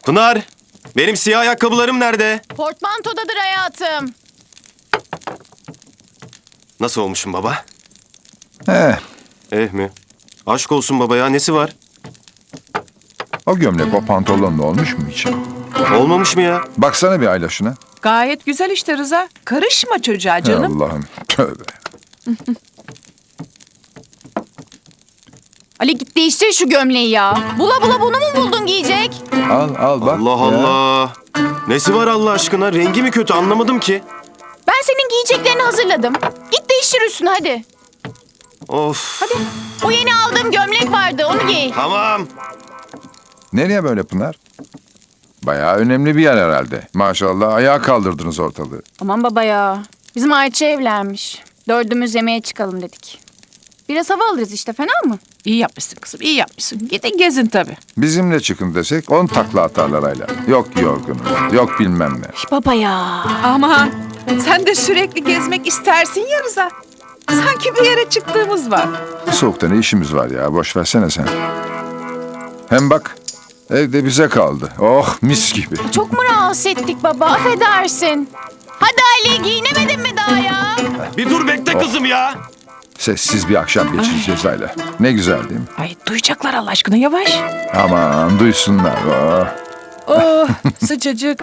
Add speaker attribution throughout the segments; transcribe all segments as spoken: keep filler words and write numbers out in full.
Speaker 1: Pınar, benim siyah ayakkabılarım nerede?
Speaker 2: Portmantodadır hayatım.
Speaker 1: Nasıl olmuşum baba?
Speaker 3: Eh,
Speaker 1: Eh mi? Aşk olsun baba ya, nesi var?
Speaker 3: o gömlek o pantolonla olmuş mu hiç?
Speaker 1: Olmamış mı ya?
Speaker 3: Baksana bir Ayla şuna.
Speaker 4: Gayet güzel işte Rıza. Karışma çocuğa canım.
Speaker 3: Allah'ım tövbe.
Speaker 2: Ali git değiştir şu gömleği ya. Bula bula bunu mu buldun giyecek?
Speaker 3: Al al bak.
Speaker 1: Allah
Speaker 3: ya.
Speaker 1: Allah. Nesi var Allah aşkına? Rengi mi kötü, anlamadım ki.
Speaker 2: Ben senin giyeceklerini hazırladım. Git değiştir üstünü hadi.
Speaker 1: Of.
Speaker 2: Hadi. O yeni aldığım gömlek vardı onu giy.
Speaker 1: Tamam.
Speaker 3: Nereye böyle Pınar? Bayağı önemli bir yer herhalde. Maşallah ayağa kaldırdınız ortalığı.
Speaker 2: Aman baba ya. Bizim Ayça evlenmiş. Dördümüz yemeğe çıkalım dedik. Biraz hava alırız işte, fena mı?
Speaker 4: İyi yapmışsın kızım, iyi yapmışsın. Gidin gezin tabii.
Speaker 3: Bizimle çıkın desek on takla atarlar Ayla. Yok yorgunum, yok bilmem ne.
Speaker 2: Baba ya.
Speaker 4: Ama sen de sürekli gezmek istersin ya Rıza. Sanki bir yere çıktığımız var.
Speaker 3: Bu soğukta ne işimiz var ya, boş versene sen. Hem bak, evde bize kaldı. Oh mis gibi.
Speaker 2: Çok mu rahatsız ettik baba, affedersin. Hadi Ali, giyinemedin mi daha ya?
Speaker 1: Bir dur bekle kızım ya.
Speaker 3: Sessiz bir akşam geçireceğiz Ayla. Ne güzel değil mi?
Speaker 4: Ay duyacaklar Allah aşkına yavaş.
Speaker 3: Aman duysunlar. Oh.
Speaker 4: Oh sıcacık.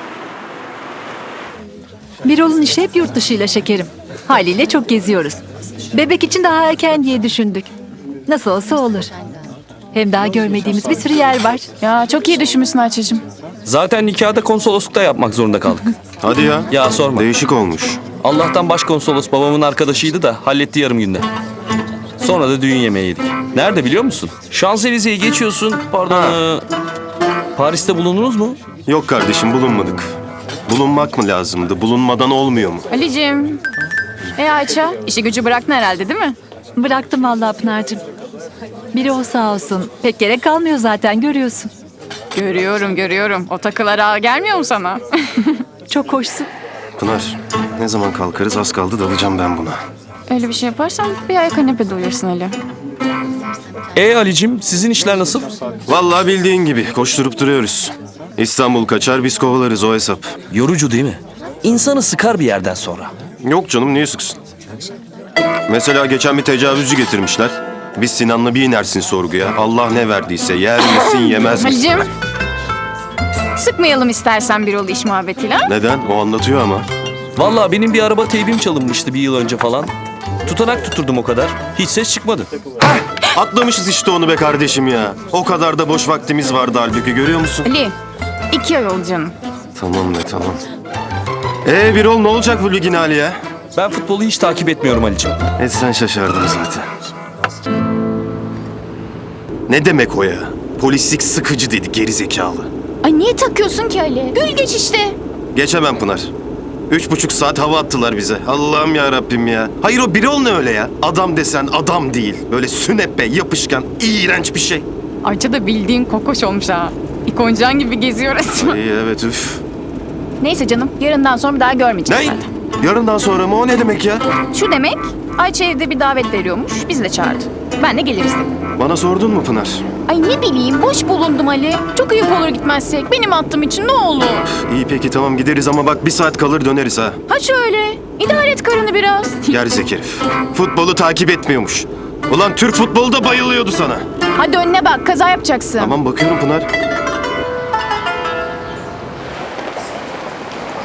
Speaker 5: Birol'un işi hep yurt dışıyla şekerim. Haliyle çok geziyoruz. Bebek için daha erken diye düşündük. Nasıl olsa olur. Hem daha görmediğimiz bir sürü yer var.
Speaker 2: Ya çok iyi düşünmüşsün Ayça'cığım.
Speaker 6: Zaten nikahı da konsoloslukta yapmak zorunda kaldık.
Speaker 1: Hadi ya.
Speaker 6: Ya sorma.
Speaker 1: Değişik olmuş.
Speaker 6: Allah'tan başkonsolos babamın arkadaşıydı da halletti yarım günde. Sonra da düğün yemeği yedik. Nerede biliyor musun? Şanzelize'yi geçiyorsun. Pardon. ee, Paris'te bulundunuz mu?
Speaker 1: Yok kardeşim, bulunmadık. Bulunmak mı lazımdı? Bulunmadan olmuyor mu?
Speaker 2: Ali'cim. E Ayça, işi gücü bıraktın herhalde değil mi?
Speaker 5: Bıraktım vallahi Pınar'cığım. Birol sağ olsun. Pek gerek kalmıyor zaten, görüyorsun.
Speaker 2: Görüyorum, görüyorum. O takılar ağa gelmiyor mu sana?
Speaker 5: Çok hoşsun.
Speaker 1: Pınar, ne zaman kalkarız? Az kaldı, dalacağım ben buna.
Speaker 2: Öyle bir şey yaparsan bir ay kanepede uyursun Ali.
Speaker 6: E Ali'cim sizin işler nasıl?
Speaker 1: Vallahi bildiğin gibi koşturup duruyoruz. İstanbul kaçar, biz kovalarız, o hesap.
Speaker 6: Yorucu değil mi? İnsanı sıkar bir yerden sonra.
Speaker 1: Yok canım, niye sıksın? Mesela geçen bir tecavüzcü getirmişler. Biz Sinan'la bir inersin sorguya. Allah ne verdiyse yer misin yemez misin?
Speaker 2: Ali'cim. Sıkmayalım istersen bir ol iş muhabbetiyle. ha?
Speaker 1: Neden? O anlatıyor ama.
Speaker 6: Vallahi benim bir araba teybim çalınmıştı bir yıl önce falan. Tutanak tutturdum o kadar. Hiç ses çıkmadı.
Speaker 1: Atlamışız işte onu be kardeşim ya. O kadar da boş vaktimiz vardı halbuki, görüyor musun?
Speaker 2: Ali, iki ay oldu canım.
Speaker 1: Tamam be, tamam. Ee Birol, ne olacak bu ligin hali ya?
Speaker 6: Ben futbolu hiç takip etmiyorum Ali'cim.
Speaker 1: Etsen şaşardım zaten. Ne demek o ya? Polislik sıkıcı dedi geri zekalı.
Speaker 2: Ay niye takıyorsun ki Ali? Gül geç işte.
Speaker 1: Geçemem Pınar. Üç buçuk saat hava attılar bize. Allah'ım ya Rabbim ya. Hayır, o Birol ne öyle ya? Adam desen adam değil. Böyle sünepe, yapışkan, iğrenç bir şey.
Speaker 2: Ayça da bildiğin kokoş olmuş ha. İkoncan gibi geziyor resmen.
Speaker 1: İyi evet, üf.
Speaker 2: Neyse canım, yarından sonra bir daha görmeyeceğiz
Speaker 1: Ne?
Speaker 2: zaten.
Speaker 1: Yarından sonra mı? O ne demek ya?
Speaker 2: Şu demek, Ayça evde bir davet veriyormuş, biz de çağırdı. Ben de geliriz dedim.
Speaker 1: Bana sordun mu Pınar?
Speaker 2: Ay ne bileyim, boş bulundum Ali. Çok ayıp olur gitmezsek. Benim attığım için ne olur.
Speaker 1: İyi peki tamam, gideriz ama bak bir saat kalır döneriz ha.
Speaker 2: Ha şöyle, idare et karını biraz.
Speaker 1: Gerizek herif. Futbolu takip etmiyormuş. Ulan Türk futbolu da bayılıyordu sana.
Speaker 2: Hadi önüne bak, kaza yapacaksın.
Speaker 1: Tamam bakıyorum Pınar.